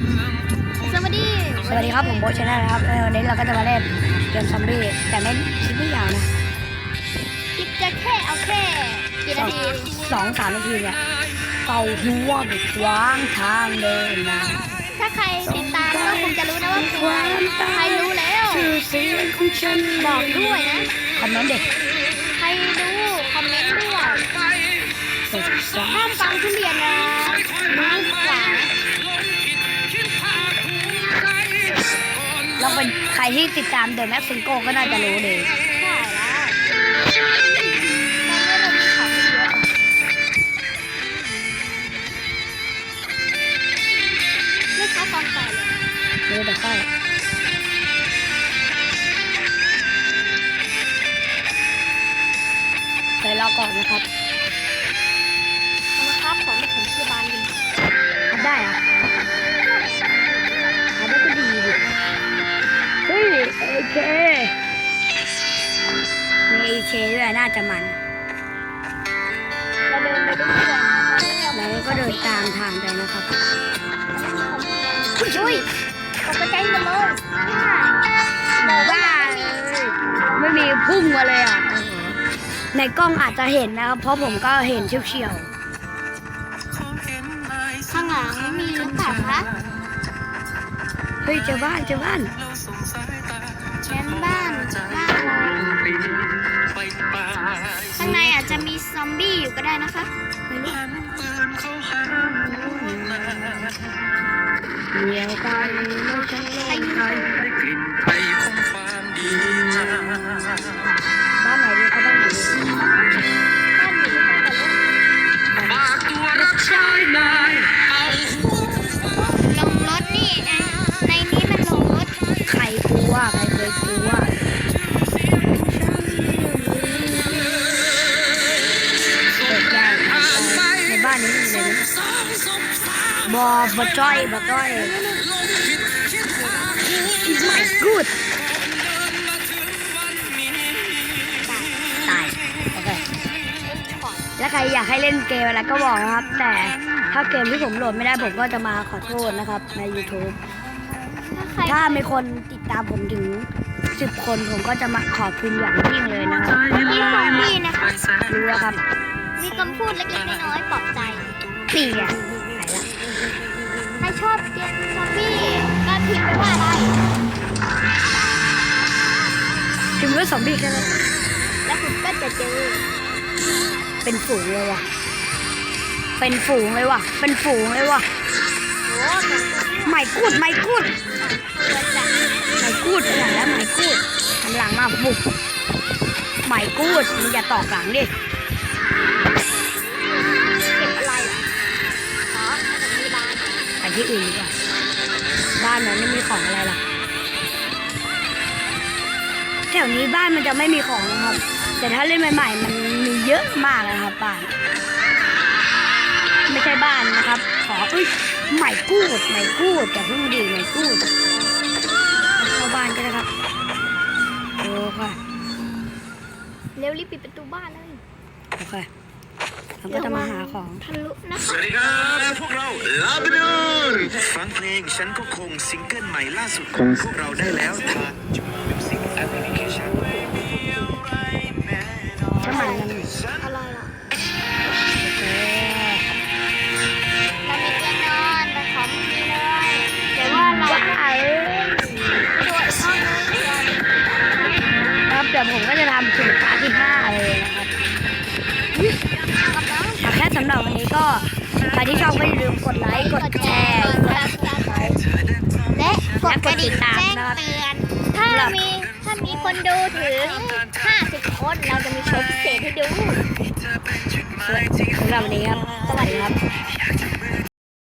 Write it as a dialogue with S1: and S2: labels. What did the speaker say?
S1: สวัสดี
S2: ครับผมโบชนะนะครับวันนี้เราก็จะมาเล่นเกมซอมบี้แต่ไม่คลิปไม่ยาวนะ
S1: คลิปจะแค่เอาแค่กี่นาที
S2: 2-3 นาทีเนี่ยเป่าหัวไปขวางทางเดินนะ
S1: ถ้าใครติดตามก็คงจะรู้นะว่าใครรู้แล้ว
S2: ชื่อเสียงของฉัน
S1: บอกด้วยนะ
S2: คอมเมนต์เด็ก
S1: ใครรู้คอมเมนต์ด้วยห้ามฟังทุเรียนนะรู้กว่า
S2: เราเป็นใครที่ติดตามเดอะแม็กซิโก้ก็น่าจะรู้เลย
S1: ใช่แล้วตอนนี้เรามีของเยอะไม่ใช่ความใส่เลย
S2: แต่ค่อยไปรอก่อนนะครับ
S1: ครับของไม่ถึงที่บ้านดี
S2: ทำได้อะทำได้ก็ดีดิเฮ้ยเอเคมีเอเคด้วยน่าจะมัน
S1: เราเดินไปด้วยกัน
S2: แล้วก็เดินตามทางไปนะครับ
S1: อุ้ยตกใจหมดเลย
S2: บอกว่าไม่มีพุ่งมาเลยอ่ะในกล้องอาจจะเห็นนะครับเพราะผมก็เห็นเฉียว
S1: ข้างหลังมีหรือเปล่าคะ
S2: เฮ้ยเจอบ้าน
S1: ชั้นบ้านข้างในอาจจะมีซอมบี้อยู่ก็ได้นะคะไม่รู้
S2: เดี๋ยวไปไม่ใช่โลกไทยได้กลิ่นไทยของความดีบ้านไหนดีเขาบ้านไหนดี
S1: บ้านอยู่ที่ไหนกันลูก
S2: ฝากตัวรับใช้นาย
S1: ลงรถนี่นะในนี้มันลงรถ
S2: ใครกลัวใครเคยกลัวเปิดยากในบ้านนี้มีอะไรนะบอจ้อยไม่กูดตายโอเคแล้วใครอยากให้เล่นเกมอะไรก็บอกนะครับแต่ถ้าเกมที่ผมโหลดไม่ได้ผมก็จะมาขอโทษนะครับใน YouTube ถ้ามีคนติดตามผมถึง10 คนผมก็จะมาขอบคุณอย่างยิ่งเลยนะครับ
S1: มีซอมบี้นะคะ
S2: รู้แล้วครับ
S1: มีคำพูดเล็กๆน้อยๆปลอบใจ
S2: นี่ไง
S1: ใครชอบเกมซอมบี้ก็พิมพ์ไปว่าอะไร
S2: พิมพ์ว่าซอมบี้แค่นั้น
S1: แล้วคุณก็จะเจอ
S2: เป็นฝูงเลยว่ะเป็นฝูงเลยว่ะโอ้ไม่กูดไปไหนแล้วไม่กูดหันหลังมาบุกไม่กูดมึงอย่าตอกหลังดิ
S1: เก็บอะไรอ๋อมีบ้าน
S2: ไปที่อื่นดีกว่าบ้านมันไม่มีของอะไรหรอกแถวนี้บ้านมันจะไม่มีของนะครับแต่ถ้าเล่นใหม่ๆมันมีเยอะมากนะครับบ้านไม่ใช่บ้านนะครับขอไม่กูดแต่เพิ่งดีไม่กูดเข้าบ้านก็ได้ครับโอเค
S1: เร็วรีบปิดประตูบ้านเลย
S2: โอเคเราก็จะมาหาของ
S1: ทะลุนะคะ
S3: สวัสดีครับพวกเราลาบานูนฟังเพลงฉันก็คงซิงเกิลใหม่ล่าสุดของพวกเราได้แล้วทางจูมิวสิกแอปพลิเคชัน
S2: ใช่ไหมกัน
S1: อะไรล่ะเรามีเตียงนอนแต่ของไม่มีเลยแต่ว่าเราตัวห้องนึง
S2: ครับเดี๋ยวผมก็จะทำถึงพาร์ทที่5เลยนะครับแค่สำหรับวันนี้ก็ใครที่ชอบก็อย่าลืมกดไลค์กดแชร์
S1: และกดกระดิ่งแจ้งเตือนถ้ามีคนดูถึง50 คนเราจะมีโชว์พิเศษให้ดู
S2: สำหรับวันนี้ครับสวัสดีครับ